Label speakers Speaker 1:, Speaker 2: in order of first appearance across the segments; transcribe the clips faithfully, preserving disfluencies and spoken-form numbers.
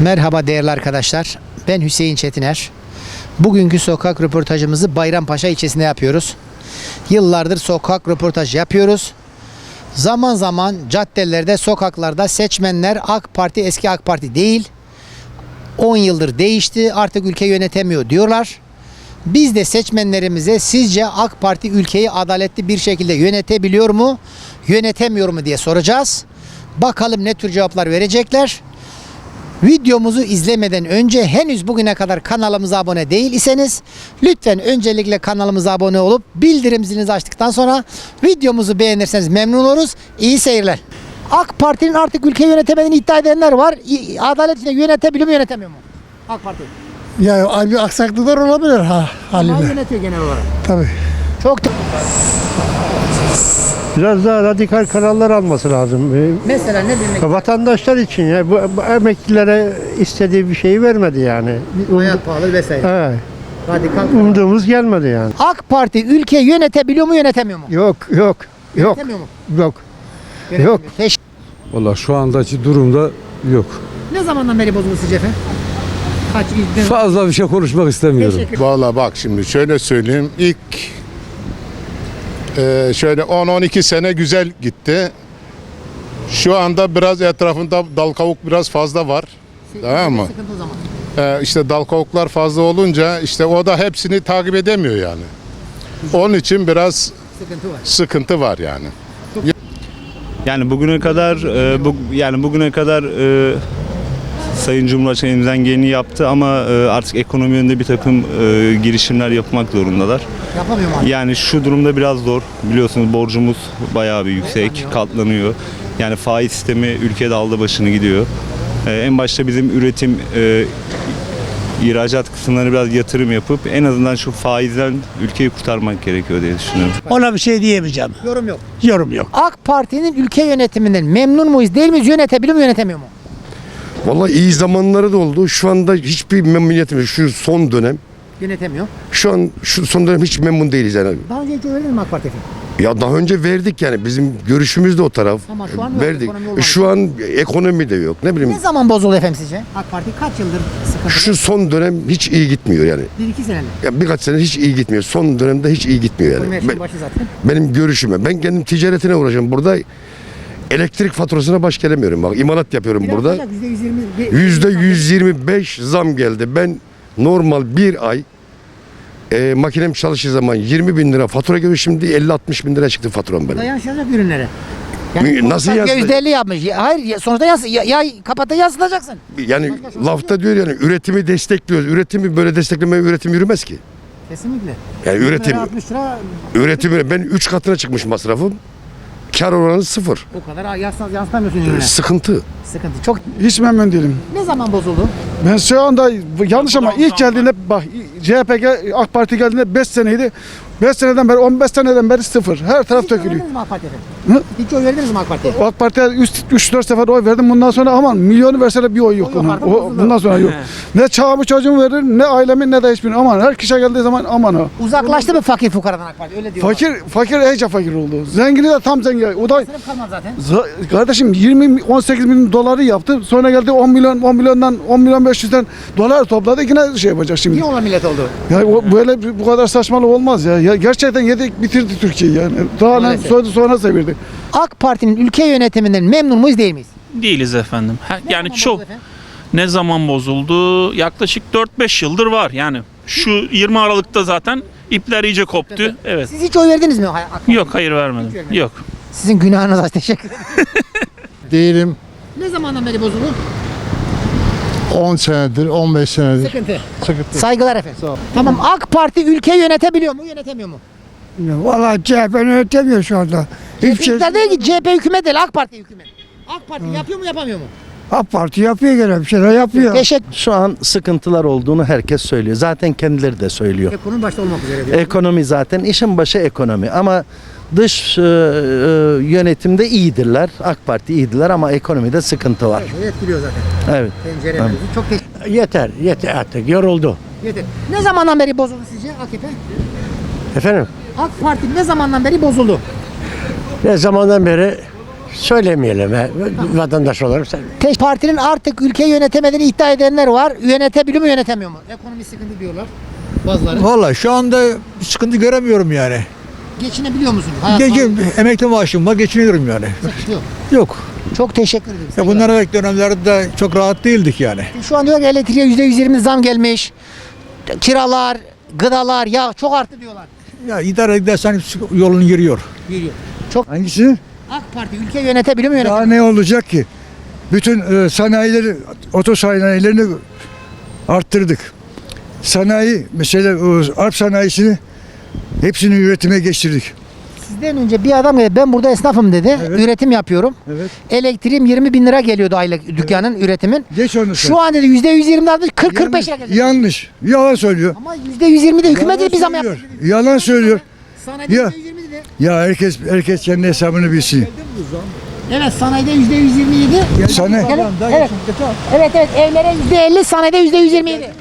Speaker 1: Merhaba değerli arkadaşlar. Ben Hüseyin Çetiner. Bugünkü sokak röportajımızı Bayrampaşa ilçesinde yapıyoruz. Yıllardır sokak röportaj yapıyoruz. Zaman zaman caddelerde, sokaklarda seçmenler AK Parti eski AK Parti değil. on yıldır değişti, artık ülke yönetemiyor diyorlar. Biz de seçmenlerimize sizce AK Parti ülkeyi adaletli bir şekilde yönetebiliyor mu, yönetemiyor mu diye soracağız. Bakalım ne tür cevaplar verecekler. Videomuzu izlemeden önce henüz bugüne kadar kanalımıza abone değil iseniz lütfen öncelikle kanalımıza abone olup bildirim zilinizi açtıktan sonra videomuzu beğenirseniz memnun oluruz. İyi seyirler. AK Parti'nin artık ülkeyi yönetemediğini iddia edenler var. Adaletle yönetebiliyor mu, yönetemiyor mu? AK Parti.
Speaker 2: Ya bir aksaklıklar olabilir ha
Speaker 1: Ama
Speaker 2: haliyle.
Speaker 1: yönetiyor genel olarak.
Speaker 2: Tabii.
Speaker 1: Çok
Speaker 3: Biraz daha radikal kararlar alması lazım. Ee,
Speaker 1: Mesela ne demek?
Speaker 3: Vatandaşlar için ya bu, bu emeklilere istediği bir şeyi vermedi yani.
Speaker 1: Hayat pahalı vesaire.
Speaker 3: Evet.
Speaker 1: Radikal.
Speaker 3: Umduğumuz gelmedi yani.
Speaker 1: AK Parti ülkeyi yönetebiliyor mu, yönetemiyor mu?
Speaker 3: Yok yok yok
Speaker 1: Yönetemiyor mu?
Speaker 3: yok.
Speaker 1: Yönetemiyor.
Speaker 3: Yok.
Speaker 1: Teşekkür.
Speaker 4: Valla şu andaki durumda yok.
Speaker 1: Ne zamandan beri bozuldu sizce efendim? Kaç ilk
Speaker 4: Fazla bir şey konuşmak istemiyorum.
Speaker 1: Teşekkür.
Speaker 5: Valla bak şimdi şöyle söyleyeyim. İlk e, şöyle on on iki sene güzel gitti. Şu anda biraz etrafında dal kavuk biraz fazla var. Tamam mı?
Speaker 1: Sıkıntı o zaman.
Speaker 5: E, işte dal kavuklar fazla olunca işte o da hepsini takip edemiyor yani. Onun için biraz
Speaker 1: Sıkıntı var.
Speaker 5: sıkıntı var yani.
Speaker 6: Yani bugüne kadar e, bu, yani bugüne kadar e, Sayın Cumhurbaşkanı elimizden geleni yaptı ama e, artık ekonomi yönünde bir takım e, girişimler yapmak zorundalar.
Speaker 1: Yapamıyor mu?
Speaker 6: Yani şu durumda biraz zor. Biliyorsunuz borcumuz bayağı bir yüksek, katlanıyor. Yani faiz sistemi ülkede aldı başını gidiyor. E, en başta bizim üretim e, ihracat kısımlarına biraz yatırım yapıp en azından şu faizden ülkeyi kurtarmak gerekiyor diye düşünüyorum.
Speaker 2: Ona bir şey diyemeyeceğim.
Speaker 1: Yorum yok.
Speaker 2: Yorum yok.
Speaker 1: AK Parti'nin ülke yönetiminden memnun muyuz, değil miyiz? Yönetebiliyor mu, yönetemiyor mu?
Speaker 7: Vallahi iyi zamanları da oldu. Şu anda hiçbir memnuniyetim yok. Şu son dönem.
Speaker 1: Yönetemiyor.
Speaker 7: Şu an şu son dönem hiç memnun değiliz yani.
Speaker 1: Daha önce hiç oy verdiniz mi AK Parti'ye?
Speaker 7: Ya daha önce verdik yani. Bizim görüşümüz de o taraf.
Speaker 1: Ama şu an yok,
Speaker 7: verdik.
Speaker 1: ekonomi olmadı.
Speaker 7: Şu an ekonomi de yok. Ne bileyim.
Speaker 1: Ne zaman bozuldu efendim sizce? AK Parti kaç yıldır sıkıntıda?
Speaker 7: Şu son dönem hiç iyi gitmiyor yani.
Speaker 1: Bir iki senedir.
Speaker 7: Ya birkaç sene hiç iyi gitmiyor. Son dönemde hiç iyi gitmiyor
Speaker 1: Ekonomi
Speaker 7: yani.
Speaker 1: yaşının
Speaker 7: Ben-
Speaker 1: başı zaten.
Speaker 7: benim görüşüme. Ben kendim ticaretine uğraşıyorum. Burada elektrik faturasına baş gelemiyorum. Bak imalat yapıyorum
Speaker 1: Biraz
Speaker 7: burada.
Speaker 1: olacak, yüzde yüz yirmi.
Speaker 7: yüzde yüz yirmi beş zam geldi. Ben normal bir ay e, makinem çalıştığı zaman yirmi bin lira fatura geliyor, şimdi elli altmış bin lira çıktı faturam benim.
Speaker 1: Dayanışacak ürünlere.
Speaker 7: Nasıl
Speaker 1: ya
Speaker 7: yansıtacak?
Speaker 1: yüzde elli yapmış. Ya, hayır ya, sonuçta yas ya, ya kapata yansıtacaksın.
Speaker 7: Yani lafta diyor yani üretimi destekliyoruz. Üretimi böyle desteklemeye üretim yürümez ki.
Speaker 1: Kesinlikle.
Speaker 7: Yani üretim,
Speaker 1: altmış lira
Speaker 7: üretimi ben üç katına çıkmış masrafım. Kar oranı sıfır.
Speaker 1: o kadar yansıtamıyorsun yansıtamıyorsun ürüne.
Speaker 7: Sıkıntı.
Speaker 1: Sıkıntı. Çok.
Speaker 2: Hiç memnun değilim.
Speaker 1: Ne zaman bozuldu?
Speaker 2: Ben şu anda yanlış ama ilk geldiğinde bak C H P ge- AK Parti geldiğinde beş seneydi. beş seneden beri on beş seneden beri sıfır. Her taraf
Speaker 1: Hiç oy
Speaker 2: dökülüyor.
Speaker 1: verdiniz mi AK Parti'ye?
Speaker 2: Hı?
Speaker 1: Hiç oy verdiniz mi AK Parti'ye?
Speaker 2: AK Parti'ye üç dört sefer oy verdim. Bundan sonra aman milyonu verseler bir oy yok
Speaker 1: O yok
Speaker 2: onun.
Speaker 1: artık,
Speaker 2: O,
Speaker 1: bozuldu.
Speaker 2: bundan sonra yok. Ne çağımı çocuğumu verir ne ailemi ne de hiçbirini. Aman her kişi geldiği zaman aman o.
Speaker 1: Uzaklaştı mı fakir fukaradan AK Parti? Öyle diyorlar.
Speaker 2: Fakir fakir iyice fakir oldu. Zengini de tam zengin. O da
Speaker 1: Sınıf kalmadı zaten.
Speaker 2: Z- kardeşim yirmi on sekiz bin doları yaptı. Sonra geldi on milyon on milyondan on milyon beş yüzden dolar topladı. Yine şey yapacak şimdi.
Speaker 1: Niye olan millet oldu?
Speaker 2: Ya o- böyle bir- bu kadar saçmalık olmaz ya. Ya gerçekten yedik bitirdi Türkiye'yi yani. Daha ne
Speaker 1: Maalesef.
Speaker 2: sonra sonra sevirdi.
Speaker 1: AK Parti'nin ülke yönetiminden memnun muyuz, değil miyiz?
Speaker 8: Değiliz efendim. Ha,
Speaker 1: Ne
Speaker 8: yani
Speaker 1: zaman
Speaker 8: çok
Speaker 1: bozuldu efendim?
Speaker 8: ne zaman bozuldu? Yaklaşık dört beş yıldır var. Yani şu yirmi Aralık'ta zaten ipler iyice koptu. Evet.
Speaker 1: Siz hiç oy verdiniz mi? AK Parti'ye?
Speaker 8: Yok, hayır vermedim.
Speaker 1: Hiç vermedin.
Speaker 8: Yok.
Speaker 1: Sizin günahınız az. Teşekkür ederim.
Speaker 9: Değilim.
Speaker 1: Ne zamandan beri bozuldu?
Speaker 9: on senedir, on beş senedir.
Speaker 1: Sıkıntı.
Speaker 9: Sıkıntı.
Speaker 1: Saygılar efendim. Tamam, AK Parti ülkeyi yönetebiliyor mu, yönetemiyor mu?
Speaker 2: Vallahi C H P yönetemiyor şu anda.
Speaker 1: İktidar değil ki, C H P hükümet değil, AK Parti hükümet. AK Parti yapıyor mu, yapamıyor mu?
Speaker 2: AK Parti yapıyor gene bir şeyler yapıyor.
Speaker 1: Teşekkür.
Speaker 10: Şu an sıkıntılar olduğunu herkes söylüyor. Zaten kendileri de söylüyor.
Speaker 1: Ekonomi başta olmak üzere diyor.
Speaker 10: Ekonomi zaten işin başı ekonomi ama dış e, e, yönetimde iyidirler. AK Parti iyidirler ama ekonomide sıkıntı var.
Speaker 1: Evet, etkiliyor zaten.
Speaker 10: Evet.
Speaker 1: Pencerelerimizi. Çok teşekkür
Speaker 3: Yeter yeter artık yoruldu.
Speaker 1: ederim. Ne zamandan beri bozuldu sizce A K P?
Speaker 3: Efendim
Speaker 1: AK Parti ne zamandan beri bozuldu?
Speaker 3: ne zamandan beri Söylemeyelim. he. Vatandaş olarak sen.
Speaker 1: Tek partinin artık ülkeyi yönetemediğini iddia edenler var. Yönetebiliyor mu yönetemiyor mu? Ekonomi sıkıntı diyorlar bazıları.
Speaker 11: Vallahi şu anda bir sıkıntı göremiyorum yani.
Speaker 1: Geçinebiliyor musunuz? Hayat
Speaker 11: Gece
Speaker 1: pahalı,
Speaker 11: emekli maaşım var, geçiniyorum yani.
Speaker 1: sıkıntı yok.
Speaker 11: Yok.
Speaker 1: Çok teşekkür ederim.
Speaker 11: Ya bundan evvelki dönemlerde çok rahat değildik yani.
Speaker 1: Şu an diyor ki elektriğe yüzde yüz yirmi zam gelmiş. Kiralar, gıdalar, ya çok arttı diyorlar.
Speaker 11: Ya idare edersen yolunu giriyor.
Speaker 1: Geliyor. Çok
Speaker 2: Hangisi?
Speaker 1: AK Parti ülke yönetebiliyor mu
Speaker 2: Daha
Speaker 1: yönetemiyor?
Speaker 2: ne olacak ki? Bütün e, sanayileri, otosanayilerini arttırdık. Sanayi, mesela o Arp sanayisini hepsini üretime geçirdik.
Speaker 1: Sizden önce bir adam geldi, ben burada esnafım dedi.
Speaker 2: Evet.
Speaker 1: Üretim yapıyorum.
Speaker 2: Evet.
Speaker 1: Elektriğim yirmi bin lira geliyordu aylık dükkanın üretimin.
Speaker 2: Geç onu sen.
Speaker 1: Şu an dedi yüzde yüz yirmi artmış kırk kırk beş lira
Speaker 2: Yanlış,
Speaker 1: gelecek.
Speaker 2: yanlış. Yalan söylüyor.
Speaker 1: Ama yüzde yüz yirmi de hükümet
Speaker 2: Yalan
Speaker 1: dedi bir zam yaptı.
Speaker 2: söylüyor. Yalan söylüyor.
Speaker 1: Sanayide
Speaker 2: Ya.
Speaker 1: yüzde yüz yirmi dedi.
Speaker 2: Ya herkes herkes kendi hesabını bilsin.
Speaker 1: Evet sanayide yüzde yüz yirmi yedi.
Speaker 2: Sana
Speaker 1: Evet. Evet evet evlere yüzde elli sanayide yüzde yüz yirmi yedi.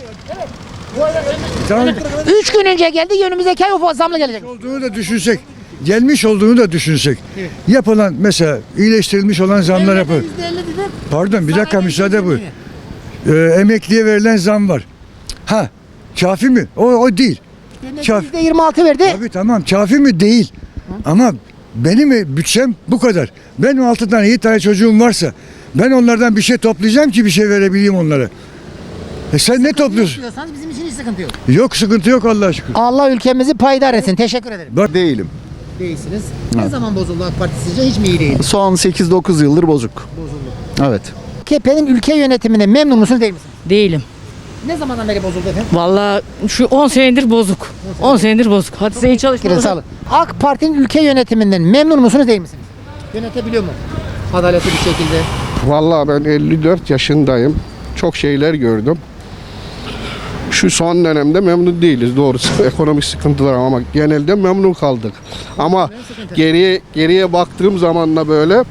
Speaker 2: tamam,
Speaker 1: Üç gün önce geldi önümüzdeki ay o zamla gelecek.
Speaker 2: olduğunu da düşünsek, gelmiş olduğunu da düşünsek. Yapılan mesela iyileştirilmiş olan zamlar yapar.
Speaker 1: yüzde elli dedi.
Speaker 2: Pardon bir dakika
Speaker 1: Sanayide
Speaker 2: müsaade bu.
Speaker 1: yüzde yirmi.
Speaker 2: Ee, emekliye verilen zam var. Ha, kafi mi? O o değil. Kaf-
Speaker 1: yüzde yirmi altı verdi.
Speaker 2: Abi tamam kafi mi? Değil. Ama benim bütçem bu kadar. Benim altı tane yedi tane çocuğum varsa ben onlardan bir şey toplayacağım ki bir şey verebileyim onlara. E sen ne topluyorsun?
Speaker 1: Diyorsanız bizim için hiç sıkıntı yok.
Speaker 2: Yok sıkıntı yok Allah'a şükür.
Speaker 1: Allah ülkemizi payidar etsin. Teşekkür ederim.
Speaker 2: Bak değilim.
Speaker 1: Değilsiniz. Ne zaman bozuldu AK Parti sizce? Hiç mi iyi değil?
Speaker 10: Son sekiz dokuz yıldır bozuk.
Speaker 1: Bozuldu.
Speaker 10: Evet.
Speaker 1: A K P'nin ülke yönetiminde memnun musunuz değil misiniz?
Speaker 12: Değilim.
Speaker 1: Ne zamandan beri bozuldu efendim?
Speaker 12: Vallahi şu on senedir bozuk. on senedir bozuk. Hadi sen iyi
Speaker 1: Teşekkür ederim,
Speaker 12: çalışma.
Speaker 1: sağ olun. AK Parti'nin ülke yönetiminden memnun musunuz değil misiniz? Yönetebiliyor mu? Adaletli bir şekilde.
Speaker 3: Vallahi ben elli dört yaşındayım. Çok şeyler gördüm. Şu son dönemde memnun değiliz doğrusu. Ekonomik sıkıntılar ama genelde memnun kaldık. Ama geriye geriye baktığım zaman da böyle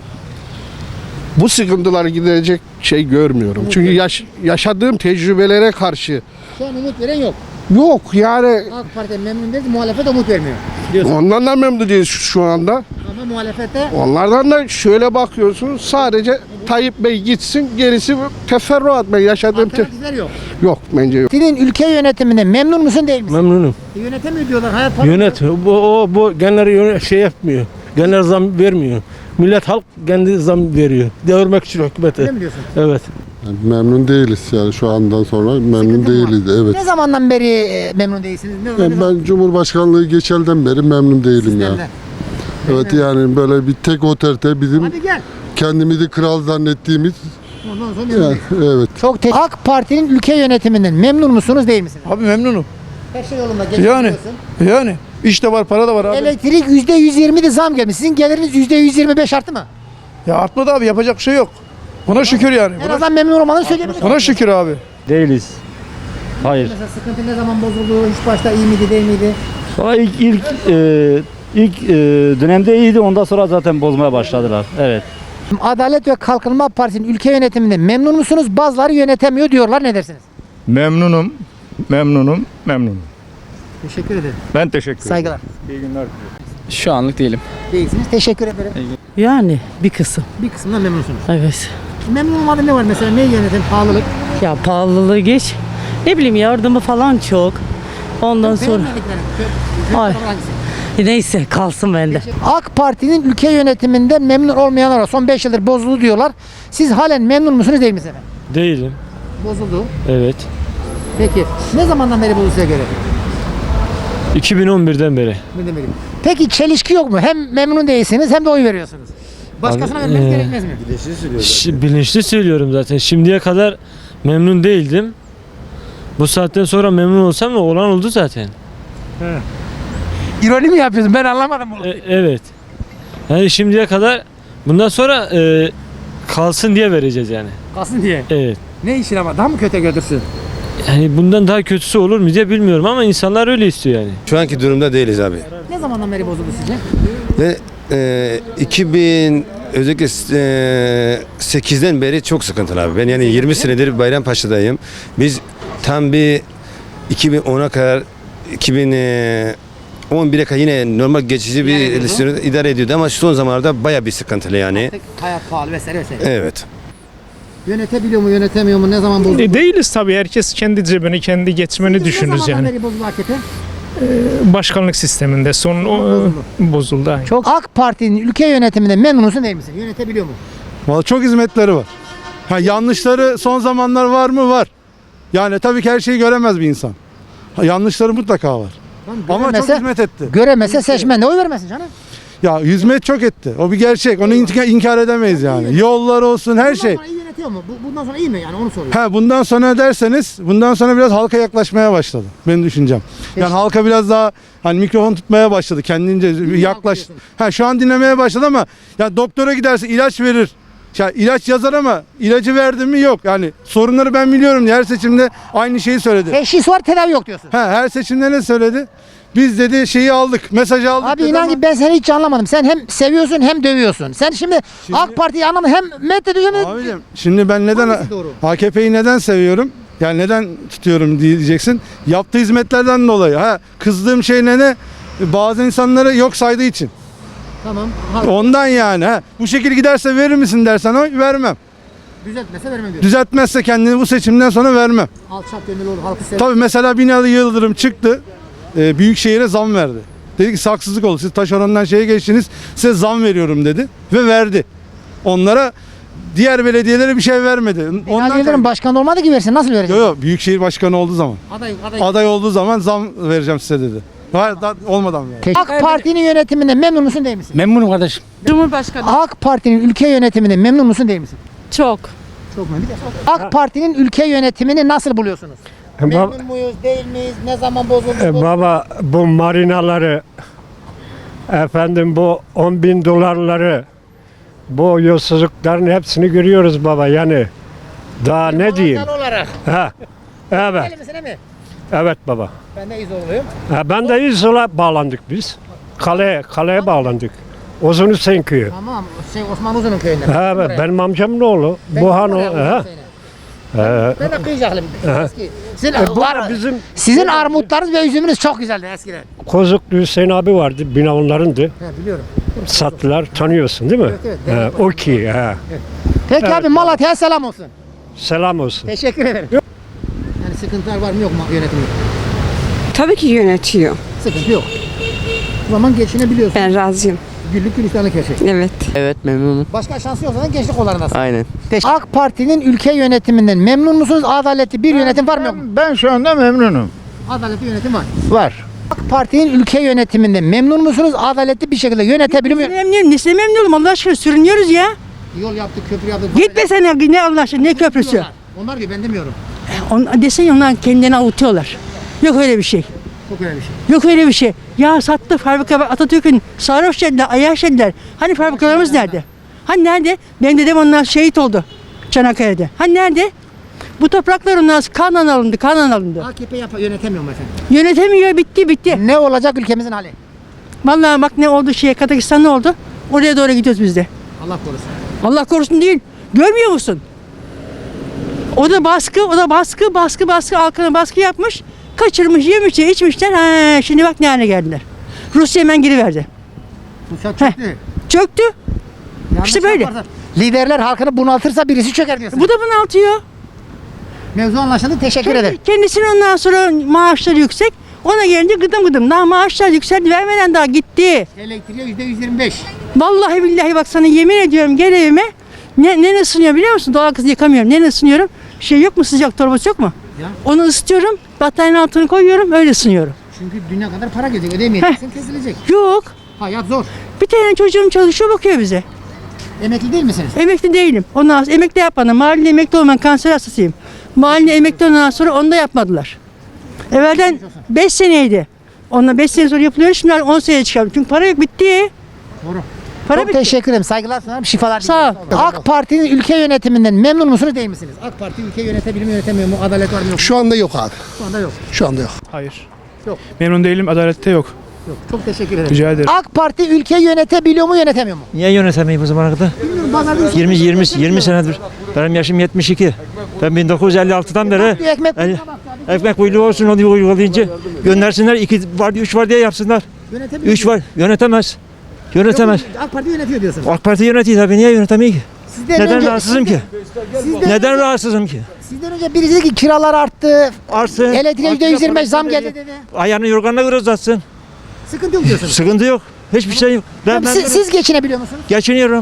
Speaker 3: bu sıkıntılar gidecek şey görmüyorum. Çünkü yaş, yaşadığım tecrübelere karşı
Speaker 1: Şu an umut veren yok.
Speaker 3: yok yani
Speaker 1: AK Parti memnun değil, muhalefet umut vermiyor. Diyorsun.
Speaker 3: ondan da memnun değiliz şu şu anda.
Speaker 1: Ama muhalefette
Speaker 3: Onlardan da şöyle bakıyorsunuz sadece Tayyip Bey gitsin gerisi teferruat ben yaşadığım te-
Speaker 1: alternatifler yok.
Speaker 3: yok bence yok.
Speaker 1: Senin ülke yönetiminde memnun musun değil misin?
Speaker 11: Memnunum.
Speaker 1: E, yönetemiyor diyorlar. Hayat pahalı.
Speaker 11: Yönet. Bu, o, bu genleri yöne- şey yapmıyor. Genel zam vermiyor. Millet halk kendi zam veriyor. Devirmek için hükümete.
Speaker 1: Öyle mi diyorsun?
Speaker 11: Evet.
Speaker 9: Memnun değiliz yani şu andan sonra memnun
Speaker 1: Sıkıntı mı var?
Speaker 9: değiliz. Evet.
Speaker 1: Ne zamandan beri e, memnun değilsiniz? Ne, ne
Speaker 9: Yani
Speaker 1: zaman?
Speaker 9: ben Cumhurbaşkanlığı geçelden beri memnun değilim ya.
Speaker 1: Sizden de.
Speaker 9: Evet yani böyle bir tek oterte bizim
Speaker 1: Hadi gel.
Speaker 9: kendimizi kral zannettiğimiz
Speaker 1: Ondan sonra memnun
Speaker 9: ya,
Speaker 1: değil.
Speaker 9: evet.
Speaker 1: Çok te- AK Parti'nin ülke yönetiminden memnun musunuz değil misiniz?
Speaker 2: Abi memnunum.
Speaker 1: Her şey yolunda.
Speaker 2: Yani.
Speaker 1: geçiniyorsun.
Speaker 2: Yani işte var para da var abi.
Speaker 1: Elektrik yüzde yüz yirmi de zam gelmiş. Sizin geliriniz yüzde yüz yirmi beş arttı mı?
Speaker 2: Ya artmadı abi yapacak bir şey yok. Buna şükür yani.
Speaker 1: En azından memnun olmanızı söyleyebilirsiniz.
Speaker 2: Buna şükür abi.
Speaker 11: Değiliz. Hayır.
Speaker 1: Mesela sıkıntı ne zaman bozuldu? Hiç başta iyi miydi değil miydi?
Speaker 11: Sonra ilk ilk e, ilk e, dönemde iyiydi. Ondan sonra zaten bozmaya başladılar. Evet.
Speaker 1: Adalet ve Kalkınma Partisi'nin ülke yönetiminde memnun musunuz? Bazıları yönetemiyor diyorlar. Ne dersiniz?
Speaker 6: Memnunum, memnunum, memnunum.
Speaker 1: Teşekkür ederim.
Speaker 6: Ben teşekkür ederim.
Speaker 1: Saygılar.
Speaker 6: İyi günler.
Speaker 11: Şu anlık değilim.
Speaker 1: Değilsiniz. Teşekkür ederim.
Speaker 12: Yani bir kısım.
Speaker 1: Bir kısımdan memnunsunuz.
Speaker 12: Evet.
Speaker 1: Memnun olmadığın ne var mesela? Ne yönetim? Pahalılık.
Speaker 12: Ya pahalılığı geç. Ne bileyim yardımı falan çok. Ondan sonra
Speaker 1: Beğenmediklerim.
Speaker 12: Ay.
Speaker 1: Hangisi?
Speaker 12: neyse kalsın bende.
Speaker 1: AK Parti'nin ülke yönetiminden memnun olmayanlar var. Son beş yıldır bozuldu diyorlar. Siz halen memnun musunuz değil misiniz efendim?
Speaker 11: Değilim.
Speaker 1: Bozuldu.
Speaker 11: Evet.
Speaker 1: Peki. Ne zamandan beri bozuldu size göre?
Speaker 11: iki bin on birden beri.
Speaker 1: Ne demeliyim? Peki çelişki yok mu? Hem memnun değilsiniz hem de oy veriyorsunuz. Başkasına
Speaker 11: Abi,
Speaker 1: vermeniz
Speaker 11: ee,
Speaker 1: gerekmez mi?
Speaker 11: Şi- bilinçli söylüyorum zaten. Şimdiye kadar memnun değildim. Bu saatten sonra memnun olsam da olan oldu zaten.
Speaker 1: İroni mi yapıyorsun? Ben anlamadım bunu.
Speaker 11: E, evet. Yani şimdiye kadar bundan sonra e, kalsın diye vereceğiz yani.
Speaker 1: Kalsın diye.
Speaker 11: Evet.
Speaker 1: Ne işin ama? Daha mı kötü götürsün?
Speaker 11: Yani bundan daha kötüsü olur mu diye bilmiyorum ama insanlar öyle istiyor yani.
Speaker 7: Şu anki durumda değiliz abi.
Speaker 1: Ne zamandan beri bozuldu sizce?
Speaker 7: Ve e, iki bin özellikle e, sekizden beri çok sıkıntılı abi. Ben yani yirmi senedir Bayrampaşa'dayım. Biz tam bir iki bin ona kadar iki bin on bire kadar yine normal geçici bir
Speaker 1: İdare ediyordu.
Speaker 7: sürü idare ediyordu ama şu son zamanlarda baya bir sıkıntılı yani.
Speaker 1: Artık hayat pahalı vesaire vesaire.
Speaker 7: Evet.
Speaker 1: Yönetebiliyor mu yönetemiyor mu ne zaman bozuldu?
Speaker 13: E, değiliz tabii. Herkes kendi cebini, kendi geçmeni düşünür
Speaker 1: Ne zamandan
Speaker 13: yani.
Speaker 1: beri bozuldu A K P?
Speaker 13: Başkanlık sisteminde son o,
Speaker 1: Bozuldu.
Speaker 13: bozuldu. Aynı.
Speaker 1: Çok AK Parti'nin ülke yönetiminde memnun musun değil misin? Yönetebiliyor mu?
Speaker 5: Vallahi çok hizmetleri var. Ha, yanlışları son zamanlar var mı? Var. Yani tabii ki her şeyi göremez bir insan. Ha, yanlışları mutlaka var. Ama çok
Speaker 1: Göremese-
Speaker 5: hizmet etti.
Speaker 1: Göremese seçmen de oy vermesin canım.
Speaker 5: Ya hizmet çok etti. O bir gerçek. Onu inkar, inkar edemeyiz yani. Yollar olsun her şey.
Speaker 1: Bundan sonra iyi yönetiyor mu? Bu- Bundan sonra iyi mi yani onu soruyorum.
Speaker 5: Ha bundan sonra derseniz bundan sonra biraz halka yaklaşmaya başladı. Benim düşüncem. Yani halka biraz daha hani mikrofon tutmaya başladı. Kendince yaklaş.
Speaker 1: diyorsun.
Speaker 5: Ha şu an dinlemeye başladı ama ya doktora giderse ilaç verir. Ya ilaç yazar ama ilacı verdi mi yok. Yani sorunları ben biliyorum diye her seçimde aynı şeyi söyledi.
Speaker 1: Teşhis var tedavi yok diyorsun.
Speaker 5: Ha her seçimde ne söyledi? Biz dedi şeyi aldık, mesajı aldık.
Speaker 1: Abi
Speaker 5: dedi
Speaker 1: inan
Speaker 5: ama-
Speaker 1: ki ben seni hiç anlamadım. Sen hem seviyorsun hem dövüyorsun. Sen şimdi, AK Parti'yi anlamadın hem meddediyorsun hem...
Speaker 5: Abicim şimdi ben neden
Speaker 1: Hangisi doğru?
Speaker 5: A K P'yi neden seviyorum? Yani neden tutuyorum diyeceksin. Yaptığı hizmetlerden dolayı. Ha kızdığım şey ne ne? Bazı insanları yok saydığı için.
Speaker 1: Tamam.
Speaker 5: Ondan yani. Ha bu şekilde giderse verir misin dersen oy vermem.
Speaker 1: Düzeltmese vermem diyor.
Speaker 5: Düzeltmezse kendini bu seçimden sonra vermem.
Speaker 1: Alçak gönüllü olur halkı sever.
Speaker 5: Tabii mesela Binali Yıldırım çıktı. E, Büyükşehir'e zam verdi. Dedi ki saksızlık oldu. Siz taşerondan şeye geçtiniz. Size zam veriyorum dedi. Ve verdi. Onlara diğer belediyelere bir şey vermedi.
Speaker 1: Binali Yıldırım başkan olmadı ki versin. Nasıl verecek?
Speaker 5: Yok yok Büyükşehir Başkanı olduğu zaman.
Speaker 1: Aday, aday.
Speaker 5: Aday olduğu zaman zam vereceğim size dedi. Hayır da, olmadan yani.
Speaker 1: AK Parti'nin yönetiminde memnun musun değil misin?
Speaker 4: Memnunum kardeşim.
Speaker 12: Cumhurbaşkanı.
Speaker 1: AK Parti'nin ülke yönetiminde memnun musun değil misin?
Speaker 12: Çok.
Speaker 1: Çok memnun. AK Parti'nin ülke yönetimini nasıl buluyorsunuz? Memnun muyuz, değil miyiz? Ne zaman bozuldu? bu?
Speaker 13: Baba bu marinaları efendim bu on bin dolarları bu yolsuzlukların hepsini görüyoruz baba yani daha ne diyeyim?
Speaker 1: Vatandaş olarak.
Speaker 13: Ha, evet,
Speaker 1: Değil misin, değil mi?
Speaker 13: evet baba.
Speaker 1: Ben de İzoluyum.
Speaker 13: Ha, ben de İzol'a bağlandık biz. Kale, kaleye bağlandık. Uzun Hüseyin köyü.
Speaker 1: Tamam. Şey Osman Uzun'un köyünden.
Speaker 13: Ha, evet,
Speaker 1: Buraya.
Speaker 13: benim amcamın oğlu.
Speaker 1: Ben
Speaker 13: Buhan o.
Speaker 1: oraya Uzun
Speaker 13: Ha.
Speaker 1: Hüseyin'e.
Speaker 13: Ha.
Speaker 1: Ben de kıyıcaklıyım. Eski. Sizin,
Speaker 13: E, bu
Speaker 1: var,
Speaker 13: da bizim
Speaker 1: sizin armutlarınız ve üzümünüz çok güzeldi eskiden.
Speaker 13: Kozuklu Hüseyin abi vardı. Bina onlarındı.
Speaker 1: He, biliyorum.
Speaker 13: Sattılar. Tanıyorsun değil mi?
Speaker 1: Evet, evet.
Speaker 13: Ha, o ki. Ha.
Speaker 1: Peki
Speaker 13: Evet,
Speaker 1: abi Malatya'ya selam olsun.
Speaker 13: Selam olsun.
Speaker 1: Teşekkür ederim. Yani sıkıntılar var mı yok mu yönetimde?
Speaker 12: Tabii ki yönetiyor.
Speaker 1: Sıkıntı yok. O zaman geçinebiliyorsun.
Speaker 12: Ben razıyım.
Speaker 1: Güllük gülistanlık her şey.
Speaker 12: Evet.
Speaker 10: Evet memnunum.
Speaker 1: Başka şansı yoksa da gençlik kollarındasın.
Speaker 10: Aynen.
Speaker 1: AK Parti'nin ülke yönetiminden memnun musunuz? Adaletli bir yönetim var mı yok mu?
Speaker 9: Ben şu anda memnunum.
Speaker 1: Adaletli yönetim var.
Speaker 9: Var.
Speaker 1: AK Parti'nin ülke yönetiminden memnun musunuz? Adaletli bir şekilde yönetebiliyor mu?
Speaker 12: Memnunum. Nesine memnunum? Allah aşkına sürünüyoruz ya.
Speaker 1: Yol yaptık, köprü yaptık.
Speaker 12: Gitmesene ne Allah aşkına ne köprüsü.
Speaker 1: Diyorlar. Onlar diyor ben demiyorum.
Speaker 12: On, desene onlar kendilerini avutuyorlar. Yok öyle bir şey.
Speaker 1: Çok önemli bir şey.
Speaker 12: Yok öyle bir şey. Ya sattı fabrika Atatürk'ün sarhoş dediler, ayaş dediler. Hani fabrikalarımız nerede? Hani nerede? Benim dedem onlar şehit oldu Çanakkale'de. Hani nerede? Bu topraklar onlar kanla alındı, kanla alındı.
Speaker 1: A K P yap yönetemiyor mu efendim?
Speaker 12: Yönetemiyor, bitti bitti.
Speaker 1: Ne olacak ülkemizin hali?
Speaker 12: Vallahi bak ne oldu şeye, Kazakistan ne oldu? Oraya doğru gidiyoruz biz de.
Speaker 1: Allah korusun.
Speaker 12: Allah korusun değil. Görmüyor musun? O da baskı, o da baskı, baskı, baskı, halkına baskı yapmış. Kaçırmış, yemişler, içmişler. Ha, şimdi bak ne hale geldiler. Rusya hemen giriverdi.
Speaker 1: Rusya
Speaker 12: Heh.
Speaker 1: çöktü.
Speaker 12: Çöktü.
Speaker 1: Yanlış
Speaker 12: İşte böyle.
Speaker 1: yaparsa- Liderler halkını bunaltırsa birisi çöker diyorsun.
Speaker 12: Bu da bunaltıyor.
Speaker 1: Mevzu anlaşıldı. Teşekkür ederim.
Speaker 12: Kendisinin ondan sonra maaşları yüksek. Ona gelince gıdım gıdım. Daha maaşlar yükseldi. Vermeden daha gitti.
Speaker 1: Elektriğe yüzde yüz yirmi beş.
Speaker 12: Vallahi billahi bak sana yemin ediyorum gel evime. Ne, ne ısınıyor biliyor musun? Doğal kızı yıkamıyorum. Ne ısınıyorum? Şey yok mu, sıcak torbası yok mu?
Speaker 1: Ya.
Speaker 12: Onu ısıtıyorum. Battaniyenin altına koyuyorum. Öyle ısınıyorum.
Speaker 1: Çünkü dünya kadar para gelecek. Ödemeyeceksin kesilecek.
Speaker 12: Yok.
Speaker 1: Hayat zor.
Speaker 12: Bir tane çocuğum çalışıyor bakıyor bize.
Speaker 1: Emekli değil misiniz?
Speaker 12: Emekli değilim. Ondan sonra emekli yapmadım. Mahallede emekli olmayan kanser hastasıyım. Mahallede emekli ondan sonra onu da yapmadılar. Evvelden beş seneydi. Onunla beş sene sonra yapılıyor. Şimdi on seneye çıkardım. Çünkü para yok, bitti.
Speaker 1: Doğru.
Speaker 12: Para
Speaker 1: Çok
Speaker 12: bitti.
Speaker 1: teşekkür ederim. Saygılar sunarım. Şifalar
Speaker 12: Sağ ol.
Speaker 1: diliyorum. AK Parti'nin ülke yönetiminden memnun musunuz değil misiniz? AK Parti ülke yönetebilir mi yönetemiyor mu? Adalet var mı yok mu?
Speaker 3: Şu anda yok abi.
Speaker 1: Şu anda yok.
Speaker 3: Şu anda yok.
Speaker 13: Hayır.
Speaker 1: Yok.
Speaker 13: Memnun değilim. Adalette yok.
Speaker 1: Yok. Çok teşekkür ederim.
Speaker 13: Rica ederim.
Speaker 1: AK Parti ülke yönetebiliyor mu yönetemiyor mu?
Speaker 4: Niye yönetemeyim bu zamana kadar?
Speaker 1: Bilmiyorum. Pazarda
Speaker 4: yirmi yirmi yirmi senedir. Benim yaşım yetmiş iki. Ben bin dokuz yüz elli altıdan beri
Speaker 1: Bir ekmek
Speaker 4: el- ekmek kuyruğu olsun onu uygulayınca göndersinler iki var üç var diye yapsınlar.
Speaker 1: Yönetemiyor.
Speaker 4: Üç var. Yönetemez. Yönetemez.
Speaker 1: Yok, AK Parti yönetiyor diyorsun.
Speaker 4: AK Parti yönetiyor tabii. Niye yönetemiyor ki?
Speaker 1: Sizden
Speaker 4: Neden
Speaker 1: önce-
Speaker 4: rahatsızım ki?
Speaker 1: Sizden,
Speaker 4: Neden
Speaker 1: önce,
Speaker 4: rahatsızım ki?
Speaker 1: sizden önce birisi dedi ki kiralar arttı.
Speaker 4: Artsın.
Speaker 1: Elektriğe yüzde yüz yirmi beş zam geldi dedi.
Speaker 4: Ayağını yorganına göre uzatsın.
Speaker 1: Sıkıntı yok diyorsunuz.
Speaker 4: Sıkıntı yok. Hiçbir şey yok. Ben,
Speaker 1: Tabii
Speaker 4: ben
Speaker 1: siz, siz geçinebiliyor musunuz?
Speaker 4: geçiniyorum.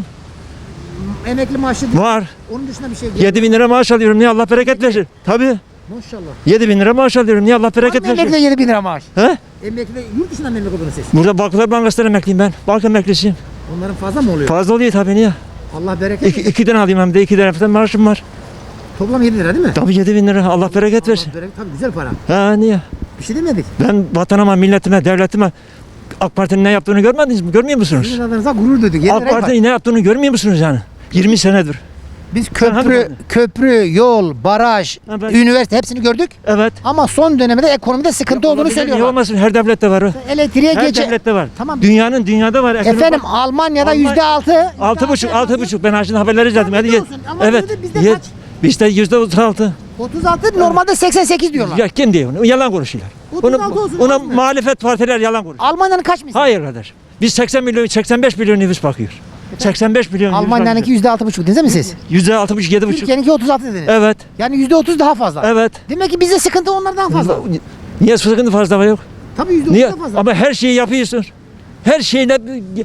Speaker 1: Emekli maaşı
Speaker 4: Var.
Speaker 1: onun dışında bir şey değil.
Speaker 4: yedi bin lira maaş alıyorum. Niye Allah bereket versin? Tabii.
Speaker 1: Maşallah.
Speaker 4: yedi bin lira maaş alıyorum. Niye Allah bereket
Speaker 1: Var mı
Speaker 4: versin?
Speaker 1: emeklide yedi bin lira maaş?
Speaker 4: He?
Speaker 1: Emeklide yurt dışından mı emekli oldunuz siz?
Speaker 4: Burada Vakıflar Bankası'ndan emekliyim ben. Banka emeklisiyim.
Speaker 1: Onların fazla mı oluyor?
Speaker 4: Fazla oluyor tabii niye?
Speaker 1: Allah bereket
Speaker 4: İki,
Speaker 1: versin.
Speaker 4: ikiden alayım hem de iki taraftan maaşım var.
Speaker 1: Toplam yedi lira değil mi?
Speaker 4: Tabii yedi bin lira. Allah bereket versin.
Speaker 1: Allah bereket, tabii güzel para.
Speaker 4: Ha niye?
Speaker 1: Bir şey demedik.
Speaker 4: Ben vatanıma, milletime, devletime AK Parti'nin ne yaptığını görmediniz mi? Görmüyor musunuz?
Speaker 1: Sizin adınıza gurur duyduk. yedi
Speaker 4: AK
Speaker 1: lira var.
Speaker 4: Parti'nin ne yaptığını görmüyor musunuz yani? yirmi senedir.
Speaker 1: Biz
Speaker 4: Sen hangi
Speaker 1: köprü,
Speaker 4: parti?
Speaker 1: köprü, yol, baraj,
Speaker 4: Ha, ben-
Speaker 1: üniversite hepsini gördük.
Speaker 4: Evet.
Speaker 1: Ama son dönemde ekonomide sıkıntı olduğunu
Speaker 4: Olabilir, Niye
Speaker 1: söylüyorlar.
Speaker 4: olmasın? Her devlette var o.
Speaker 1: Elektriğe
Speaker 4: Her
Speaker 1: gece.
Speaker 4: devlette var.
Speaker 1: Tamam.
Speaker 4: Dünyanın dünyada var. Ekonomi
Speaker 1: Efendim
Speaker 4: var.
Speaker 1: Almanya'da
Speaker 4: Alman-
Speaker 1: yüzde altı.
Speaker 4: Altı buçuk, altı buçuk. Ben şimdi haberleri izledim.
Speaker 1: Tabii
Speaker 4: Hadi
Speaker 1: diyorsun
Speaker 4: gel.
Speaker 1: ama
Speaker 4: Evet.
Speaker 1: bizde- bizde
Speaker 4: Ye-
Speaker 1: kaç?
Speaker 4: Bizde yüzde otuz altı.
Speaker 1: otuz altı normalde seksen sekiz diyorlar.
Speaker 4: Ya kim diyor onu? Yalan konuşuyorlar.
Speaker 1: otuz altı
Speaker 4: Onu,
Speaker 1: olsun,
Speaker 4: ona
Speaker 1: az mı?
Speaker 4: muhalefet partiler yalan konuşuyor.
Speaker 1: Almanya'nın kaç misal?
Speaker 4: Hayır kardeşim. Biz seksen milyon, seksen beş milyon nüfus bakıyor. seksen beş milyon nüfus
Speaker 1: Almanya'nınki
Speaker 4: bakıyor.
Speaker 1: yüzde altı buçuk dediniz mi siz?
Speaker 4: yüzde altı buçuk, yedi buçuk.
Speaker 1: Türkiye'ninki otuz altı dediniz.
Speaker 4: Evet.
Speaker 1: Yani yüzde otuz daha fazla.
Speaker 4: Evet.
Speaker 1: Demek ki bizde sıkıntı onlardan fazla.
Speaker 4: Niye sıkıntı fazla var yok?
Speaker 1: Tabii yüzde
Speaker 4: Niye?
Speaker 1: otuz daha fazla.
Speaker 4: Ama her şeyi yapıyorsun. Her şeyle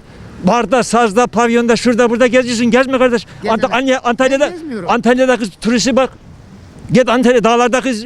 Speaker 4: barda, sazda, pavyonda, şurada, burada geziyorsun. Gezme kardeş.
Speaker 1: Gezemem.
Speaker 4: Ant- Antalya- Antalya'da,
Speaker 1: Ben gezmiyorum.
Speaker 4: Antalya'da kız turisti bak. Git Antalya dağlarda kız e,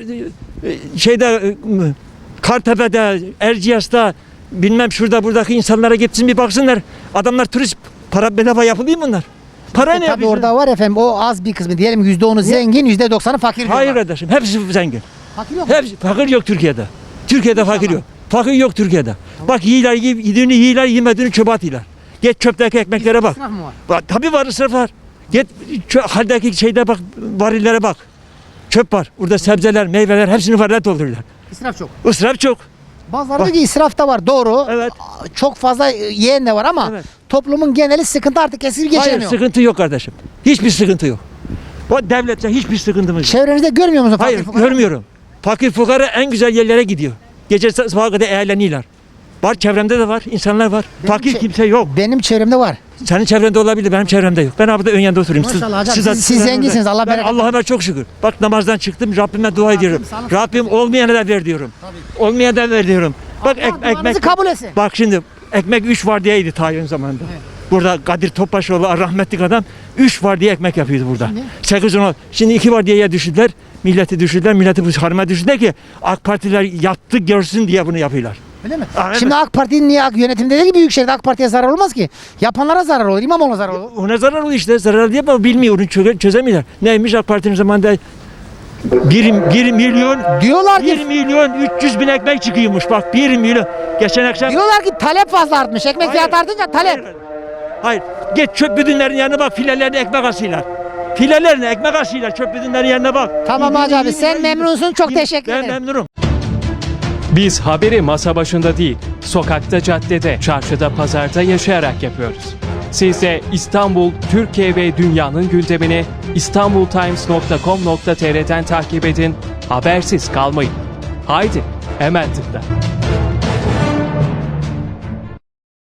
Speaker 4: şeyde e, Kartepe'de, Erciyes'te bilmem şurada buradaki insanlara gitsin bir baksınlar. Adamlar turist para bedava yapılıyor mu bunlar? Para ne
Speaker 1: Tabii
Speaker 4: yapıyorsun?
Speaker 1: orada var efendim o az bir kısmı diyelim yüzde onu zengin yüzde doksanı fakir diyorlar.
Speaker 4: Hayır kardeşim. Hepsi zengin.
Speaker 1: Fakir yok mu?
Speaker 4: Hepsi fakir yok Türkiye'de. Türkiye'de fakir yok. Fakir yok Türkiye'de. Bak yiyorlar, yi- yediğini yiyorlar, yemediğini çöpe atıyorlar. Git çöpteki ekmeklere bak.
Speaker 1: İsraf mı var?
Speaker 4: Bak tabii var, ısraf var. Git çö- haldeki şeyde bak, varillere bak. Çöp var. Burada sebzeler, meyveler hepsini varile dolduruyorlar.
Speaker 1: İsraf çok.
Speaker 4: Israf çok.
Speaker 1: Bazıları
Speaker 4: Bak.
Speaker 1: diyor ki israf da var doğru.
Speaker 4: Evet.
Speaker 1: Çok fazla yiyen de var ama
Speaker 4: Evet.
Speaker 1: toplumun geneli sıkıntı artık eskisi
Speaker 4: Hayır,
Speaker 1: geçemiyor.
Speaker 4: sıkıntı yok kardeşim. Hiçbir sıkıntı yok. O devlette hiçbir sıkıntımız yok.
Speaker 1: Çevrenizde görmüyor musun?
Speaker 4: Hayır,
Speaker 1: fakir fukara?
Speaker 4: görmüyorum. Fakir fukara en güzel yerlere gidiyor. Gece sabaha kadar eğleniyorlar. Var, çevremde de var, insanlar var.
Speaker 1: Benim
Speaker 4: Fakir
Speaker 1: çe-
Speaker 4: kimse yok.
Speaker 1: Benim çevremde var.
Speaker 4: Senin çevrende olabilir, benim çevremde yok. Ben burada ön yanında oturuyorum.
Speaker 1: Maşallah hocam, siz-
Speaker 4: de-
Speaker 1: siz
Speaker 4: de-
Speaker 1: zenginsiniz, Allah
Speaker 4: ben
Speaker 1: bereket
Speaker 4: Allah'ıma çok şükür. Bak namazdan çıktım, Rabbime dua ediyorum.
Speaker 1: sağlık
Speaker 4: Rabbim olmayana da ver diyorum. Olmayana da ver diyorum. Bak ek-
Speaker 1: duanızı
Speaker 4: ekmek
Speaker 1: kabul etsin.
Speaker 4: Bak şimdi ekmek üç var diyeydi Tayyip'in zamanında. Burada Kadir Topbaşoğlu rahmetlik adam üç var diye ekmek yapıyordu burada.
Speaker 1: Şimdi?
Speaker 4: sekiz on Şimdi iki var diye düşürdüler. Milleti düşürdüler. Milleti bu harma düşürdüler ki AK Partiler yattı görsün diye bunu yapıyorlar.
Speaker 1: Öyle mi?
Speaker 4: Aa, evet.
Speaker 1: Şimdi AK Parti'nin niye yönetimde değil ki Büyükşehir'de AK Parti'ye zarar olmaz ki. Yapanlara zarar olur. İmamoğlu'na zarar olur.
Speaker 4: Ona zarar oluyor işte. Zarar diye ama bilmiyor. Onu çö- çözemiyorlar. Neymiş AK Parti'nin zamanında bir, bir milyon
Speaker 1: Diyorlar
Speaker 4: bir
Speaker 1: ki
Speaker 4: milyon üç yüz bin ekmek çıkıyormuş. Bak bir milyon. Geçen akşam
Speaker 1: diyorlar ki talep fazla artmış. Ekmek fiyatı artınca talep.
Speaker 4: Hayır. Hayır. Git çöp büdünlerin yanına bak. Filelerine ekmek asıyorlar. Filelerine ekmek asıyorlar. Çöp büdünlerin yanına bak.
Speaker 1: Tamam
Speaker 4: Yedi-
Speaker 1: Hacı abi
Speaker 4: yedi-
Speaker 1: sen
Speaker 4: yedi-
Speaker 1: memnunsun çok
Speaker 4: yedi-
Speaker 1: teşekkür
Speaker 4: Ben
Speaker 1: ederim.
Speaker 4: memnunum.
Speaker 14: Biz haberi masa başında değil, sokakta, caddede, çarşıda, pazarda yaşayarak yapıyoruz. Siz de İstanbul, Türkiye ve dünyanın gündemini istanbultimes nokta com nokta tr'den takip edin, habersiz kalmayın. Haydi, hemen tıkla.